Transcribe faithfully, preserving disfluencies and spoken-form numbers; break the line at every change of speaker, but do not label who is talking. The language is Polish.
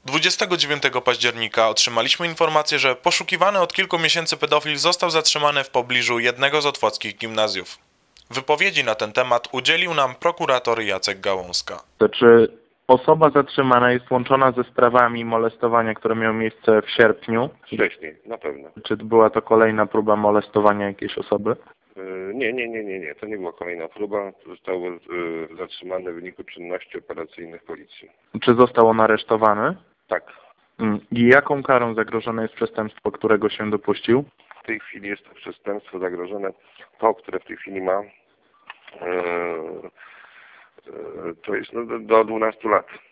dwudziestego dziewiątego października otrzymaliśmy informację, że poszukiwany od kilku miesięcy pedofil został zatrzymany w pobliżu jednego z otwockich gimnazjów. Wypowiedzi na ten temat udzielił nam prokurator Jacek Gałązka.
To czy osoba zatrzymana jest łączona ze sprawami molestowania, które miały miejsce w sierpniu?
Wcześniej, na pewno.
Czy była to kolejna próba molestowania jakiejś osoby?
Yy, Nie, nie, nie, nie, nie. To nie była kolejna próba. Został yy, zatrzymany w wyniku czynności operacyjnych policji.
Czy został on aresztowany?
Tak.
Mm. I jaką karą zagrożone jest przestępstwo, którego się dopuścił?
W tej chwili jest to przestępstwo zagrożone. To, które w tej chwili ma, yy, yy, to jest no, do, do dwunastu lat.